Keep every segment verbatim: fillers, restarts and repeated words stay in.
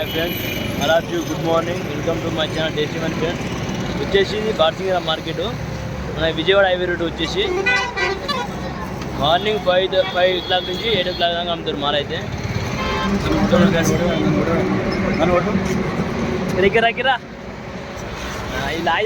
Hi friends, all of you good morning. Welcome to my channel Tasty Money friends. వచ్చేసి బార్సింగర market మన Vijayawada highway road వచ్చేసి morning five five o'clock నుంచి eight o'clock దాకా అమ్ముతారు mall అయితే. రికరా కిరా ఇలా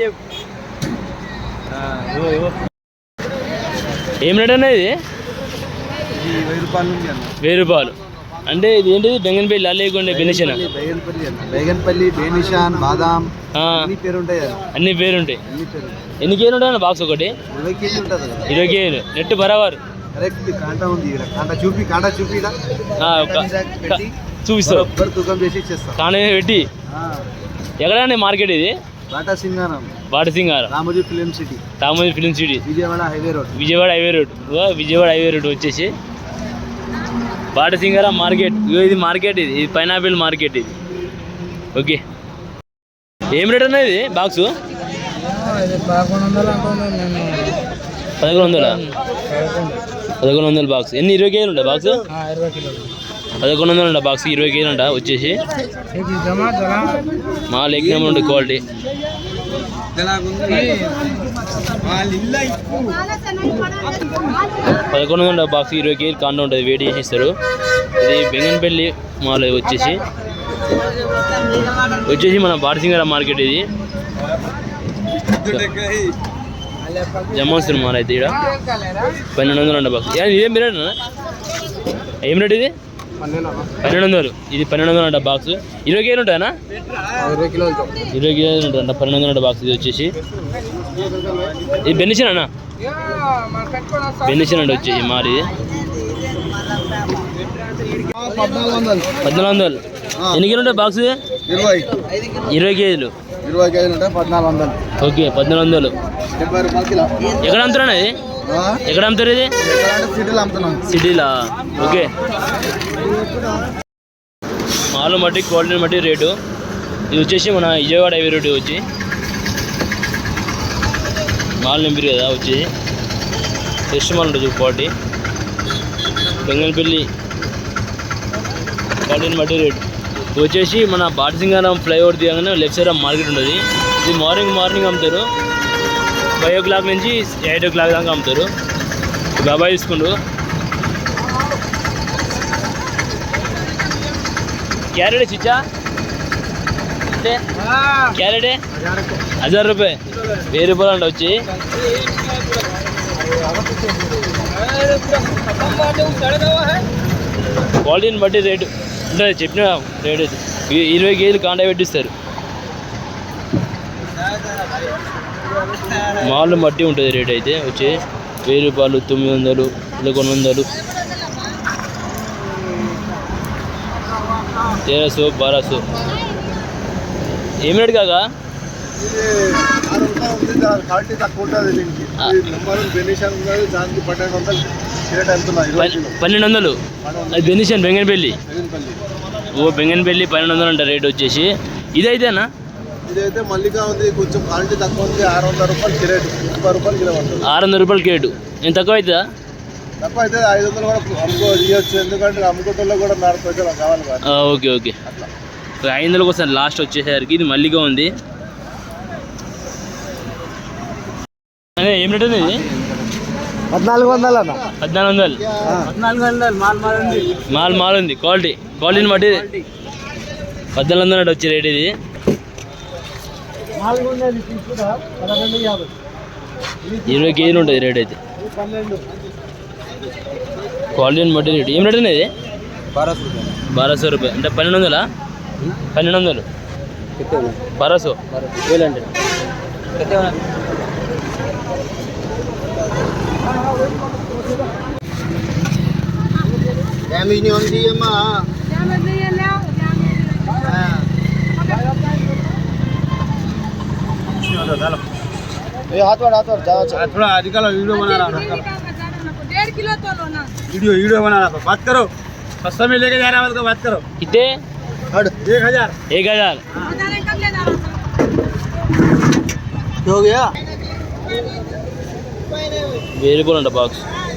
ఏం రేట్ అనేది వెయ్యి రూపాయలు నుంచి అన్న. వెయ్యి రూపాయలు అంటే ఇది ఏంటిది? బెంగన్పల్లి లేకుండే బెనిషన్ బేగన్పల్లి బేనిషాన్ బాదాం అన్ని పేరు ఉంటాయి అన్ని పేరుంటాయి. అన్ని పేరు ఎన్ని కేజీలు ఉంటాయి బాక్స్? ఒకటి ఇరవై కేజీ ఉంటుంది. ఇరవై కేజీలు నెట్ బరాబర్ కరెక్ట్. కాంటా ఉంది, కాంటా చూపి కాంటా చూపి చూపిస్తారు, తూకం చేసి ఇచ్చేస్తాం. కాంటా పెట్టి ఎక్కడండి మార్కెట్ ఇది? Bata Singaram, Bata Singaram, Ramoji Film City, Ramoji Film City, Vijayawada highway road. Vijayawada highway road Vijayawada highway road వచ్చేసి బాట సింగారం మార్కెట్. ఇది మార్కెట్, ఇది ఇది పైనాపిల్ మార్కెట్ ఇది. ఓకే, ఏం రేట్ అన్నా ఇది బాక్సు? పదకొండు వందల పదకొండు వందల బాక్స్. ఎన్ని? ఇరవై కేజీలు ఉంటాయి బాక్స్? పదకొండు వందలు ఉంటాయి బాక్స్, ఇరవై కేజీలు ఉంటా వచ్చేసి. మాల్ ఎగ్జామ్ ఉండే క్వాలిటీ. పదకొండు వందల బాక్స్, ఇరవై కేజీలు కాండ ఉంటుంది, వేడి చేసి ఇస్తారు. ఇది బెంగన్పల్లి మాల్ వచ్చేసి వచ్చేసి మన బాటసింగర మార్కెట్. ఇది జమాన్సర్ మాల్ అయితే ఇక్కడ పన్నెండు వందలు ఉండే బాక్స్. ఇదేం రేట్? ఏం రేట్ ఇది? పన్నెండు వందలు. ఇది పన్నెండు వందలు అంట బాక్స్. ఇరవై కేజీలు ఉంటాయనా? ఇరవై కిలోలు ఇరవై కేజీలు ఉంటాయంట, పన్నెండు వందలు బాక్స్. ఇది వచ్చేసి ఇది బెనిషన్ అన్న, బెనిషన్ అంటే వచ్చేసి మాది పద్నాలుగు వందలు. పద్నాలుగు వందలు. ఎన్ని కేజీలు ఉంటాయి బాక్స్? ఇరవై ఇరవై కేజీలు. ఇరవై కేజీలు ఉంటాయి, పద్నాలుగు వందలు. ఓకే, పద్నాలుగు వందలు. డెబ్బై రూపాయలు కిలో. ఎక్కడ అమ్ముతారా ఇది? ఎక్కడ అమ్ముతారు ఇది? సిటీలో అమ్ముతున్నాం. సిటీలా? ఓకే. మాల్ బట్టి క్వాలిటీని బట్టి రేటు. ఇది వచ్చేసి మన విజయవాడ హైవే రోడ్ వచ్చి మాల్ నింపిరు కదా వచ్చి ఫ్రెష్ మాల్ ఉంటుంది క్వాలిటీ. బెంగన్పల్లి క్వాలిటీని బట్టి రేటు వచ్చేసి మన బాటసింగారం ఫ్లైఓవర్ దిగగానే లెఫ్ట్ సైడ్ మార్కెట్ ఉంటుంది. ఇది మార్నింగ్ మార్నింగ్ అమ్ముతారు, ఫైవ్ ఓ క్లాక్ నుంచి ఎయిట్ ఓ క్లాక్ దాకా అమ్ముతారు. బాబాయ్ తీసుకుండు. క్యారెట్ చిచ్చా అంటే క్యారెటే హజార్ రూపాయ, వెయ్యి రూపాయలు అంట వచ్చి. క్వాలిటీని బట్టి రేటు ఉంటుంది, చెప్పిన రేటు ఇరవై కేజీలు కాండా పెట్టిస్తారు. మాల్ బట్టి ఉంటుంది రేట్ అయితే వచ్చి వెయ్యి రూపాయలు, తొమ్మిది వందలు, పదకొండు వందలు, तेरह सौ बारह सौ. ఏం రేట్ కాగా? పన్నెండు వందలు. అది బెనిషన్ బెంగన్పల్లి. ఓ బెంగన్పల్లి పన్నెండు వందలు అంట రేట్ వచ్చేసి. ఇదైతేనా? ఇదైతే మల్లిగా ఉంది, కొంచెం క్వాలిటీ తక్కువ ఉంది. ఆరు వందల రూపాయలు కిరేట్, ముప్పై రూపాయలు కిలో పడుతుంది. ఆరు వందల రూపాయలు కేటు. నేను తక్కువ అవుతుందా? తక్కువ అయితే ఐదు వందలు కూడా అమ్ముకో ఇవ్వచ్చు, ఎందుకంటే అమ్ముకోవటంలో కూడా నాలుగు పైసలు కావాలి. ఓకే ఓకే, ఐదు వందలకు వస్తాను లాస్ట్ వచ్చేసరికి. ఇది మల్లిగా ఉంది. అదే ఏం రేట్ ఉంది ఇది? పద్నాలుగు వందలు అన్న. పద్నాలుగు వందలు. పద్నాలుగు వందలు మాల్ మాల్ ఉంది. మాల్ మాల్ ఉంది, క్వాలిటీ క్వాలిటీని బట్టి పద్నాలుగు వందలు అంటే వచ్చే రేట్. ఇది ఇరవై కేజీలు ఉంటుంది రేట్ అయితే. క్వాలిటీని బట్టి రేట్. ఏం రేట్ అనేది? బారా సో రూపాయ అంటే పన్నెండు వందలా? పన్నెండు వందలు. బారా సో వేలంటే డ్యామేజ్ नहीं होनी चाहिए मां. ड्यामेज नहीं है, ले आओ ड्यामेज. ये हाथ वाला हाथ वाला जाओ थोड़ा आजकल वीडियो बना रहा हूं. डेढ़ किलो तो लो ना. वीडियो वीडियो बना रहा हूं. बात करो, सस्ता में लेके जा रहा है, बात करो. कितने? एक हजार. एक हजार कम ले जा रहा हो गया. वेरी बोल बाक्स.